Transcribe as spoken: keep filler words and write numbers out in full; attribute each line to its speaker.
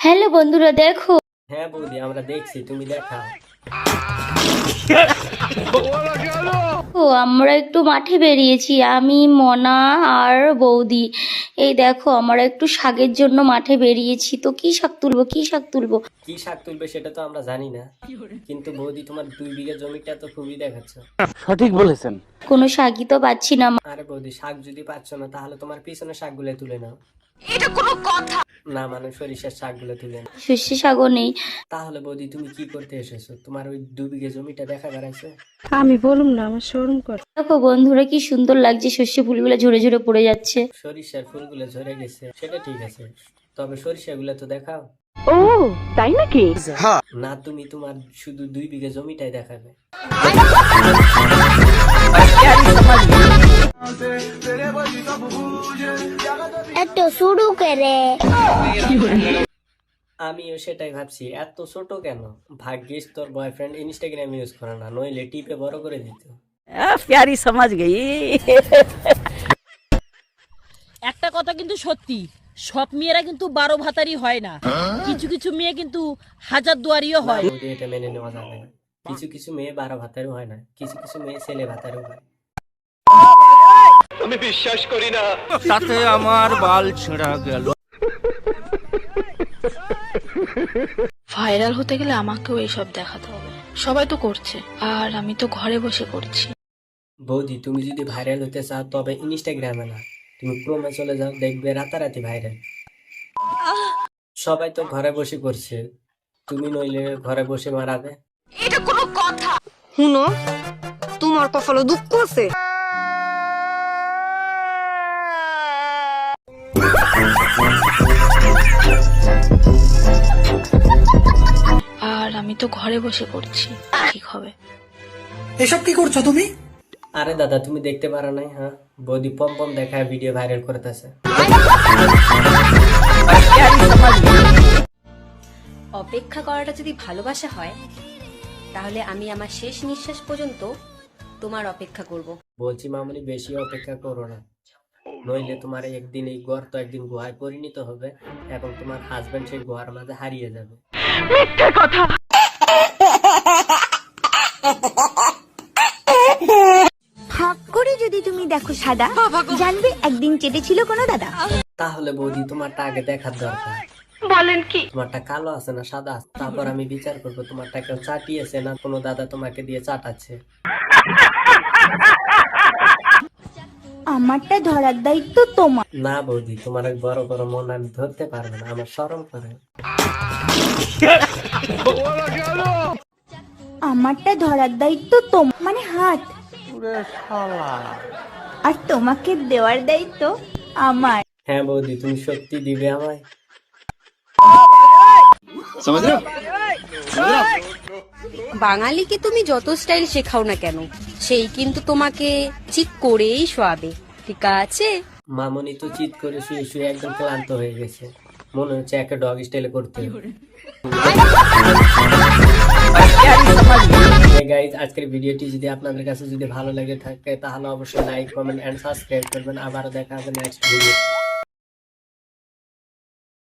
Speaker 1: Hello বন্ধুরা দেখো।
Speaker 2: হ্যাঁ বৌদি আমরা দেখছি, তুমি দেখাও।
Speaker 1: ও আমরা একটু মাঠে বেরিয়েছি, আমি মনা আর বৌদি। এই দেখো আমরা একটু শাকের জন্য মাঠে বেরিয়েছি, তো কি শাক তুলবো কি শাক তুলবো
Speaker 2: কি শাক তুলবে সেটা তো আমরা জানি না, কিন্তু বৌদি তোমার দুই বিঘা জমিটা তো খুবই দেখাচ্ছ।
Speaker 3: সঠিক বলেছেন।
Speaker 1: কোনো শাকই তো পাচ্ছি না।
Speaker 2: আরে বৌদি শাক যদি পাচ্ছ না তাহলে তোমার পিছনে শাকগুলো তুলে নাও।
Speaker 1: এটা কোনো কথা
Speaker 2: না মানে সরিষার শাকগুলো তুলে নাও।
Speaker 1: শস্য শাকও নেই।
Speaker 2: তাহলে বৌদি তুমি কি করতে এসেছো? তোমার ওই দু বিঘা জমিটা দেখা বেড়াইছে?
Speaker 4: আমি বলুম না, আমার শরম করে।
Speaker 1: দেখো বন্ধুরা কি সুন্দর লাগছে, শস্য ফুলগুলো ঝরে ঝরে পড়ে যাচ্ছে।
Speaker 2: সরিষার ফুলগুলো ঝরে গেছে সেটা ঠিক আছে, তবে সরিষাগুলো তো দেখাও।
Speaker 4: ও তাই নাকি?
Speaker 2: না তুমি তোমার শুধু দুই বিঘা জমিটাই দেখাবে।
Speaker 5: এত শুরু করে
Speaker 2: আমিও সেটাই ভাবছি, এত ছোট কেন? ভাগ্যিস তোর বয়ফ্রেন্ড ইনস্টাগ্রাম ইউজ করে না, নইলে টিপে বড় করে দিত।
Speaker 4: প্যারি সমাজ গেই।
Speaker 6: একটা কথা কিন্তু সত্যি, সব মেয়েরা কিন্তু বারো ভাতারি হয় না, কিছু কিছু মেয়ে কিন্তু হাজার দুয়ারিও হয়।
Speaker 2: বৌদি, এটা মেনে নেওয়া যাবে না। কিছু কিছু মেয়ে বারো ভাতারও হয় না, কিছু কিছু মেয়ে ছেলে ভাতারও হয়।
Speaker 3: আমি বিশ্বাস করি না। তাতে আমার বাল ছেঁড়া গেল।
Speaker 7: ভাইরাল হতে গেলে আমাকেও এইসব দেখাতে হবে, সবাই তো করছে আর আমি তো ঘরে বসে করছি।
Speaker 2: বৌদি তুমি যদি ভাইরাল হতে চাও তবে ইনস্টাগ্রামে না, তুমি ক্রোমে চলে যাও, দেখবে রাতারাতি ভাইরাল। সবাই তো ঘরে বসে করছে, তুমি নইলে ঘরে বসে মারাবে।
Speaker 7: এটা কোনো কথা?
Speaker 8: হুনো, তোমার কপালে দুঃখ আছে।
Speaker 7: আর আমি তো ঘরে বসে করছি, ঠিক হবে?
Speaker 9: এসব কি করছো তুমি?
Speaker 2: আরে দাদা তুমি দেখতে পারো নাই? হ্যাঁ, বৌদি পম পম দেখায় ভিডিও ভাইরাল করতেছে।
Speaker 8: অপেক্ষা করাটা যদি ভালোবাসা হয় তাহলে আমি আমার শেষ নিঃশ্বাস পর্যন্ত তোমার অপেক্ষা করব।
Speaker 2: বলছি মামুনি, বেশি অপেক্ষা করো না, নইলে তোমার একদিন এই ঘর তো একদিন গুহায় পরিণত হবে এবং তোমার হাজবেন্ড সেই গুহার মাঝে হারিয়ে যাবে।
Speaker 4: মিথ্যে কথা।
Speaker 5: হাক করে যদি তুমি দেখো সাদা, জানবে একদিন চেটেছিল কোনো দাদা।
Speaker 2: তাহলে বৌদি তোমারটা আগে দেখার দরকার।
Speaker 4: বলেন কি?
Speaker 2: তোমারটা কালো আছে না সাদা আছে, তারপর আমি বিচার করবো তোমারটা কেউ চাটিয়েছে না কোনো দাদা তোমাকে দিয়ে চাটাচ্ছে।
Speaker 5: আমারটা ধরার দায়িত্ব তোমার।
Speaker 2: না বৌদি, তোমার ওই বড় বড় মন আমি ধরতে পারবো না, আমার শরম করে।
Speaker 5: আমারটা ধরার দায়িত্ব তোমার, মানে হাত, আর তোমাকে দেওয়ার দায়িত্ব আমার।
Speaker 2: হ্যাঁ বৌদি, তুমি সত্যি দিবে আমায়?
Speaker 8: বাঙালিকে তুমি যত স্টাইল শেখাও না কেন, সেই কিন্তু তোমাকে চিৎ করেই শোয়াবে, ঠিক আছে?
Speaker 2: মামনি তো চিৎ করে শুয়ে শুয়ে একদম ক্লান্ত হয়ে গেছে, মনে হচ্ছে একটা ডগ স্টাইলে করতে হবে। গাইজ, আজকের ভিডিওটি যদি আপনাদের কাছে যদি ভালো লেগে থাকে তাহলে অবশ্যই লাইক কমেন্ট এন্ড সাবস্ক্রাইব করবেন। আবারও দেখা হবে নেক্সট ভিডিও।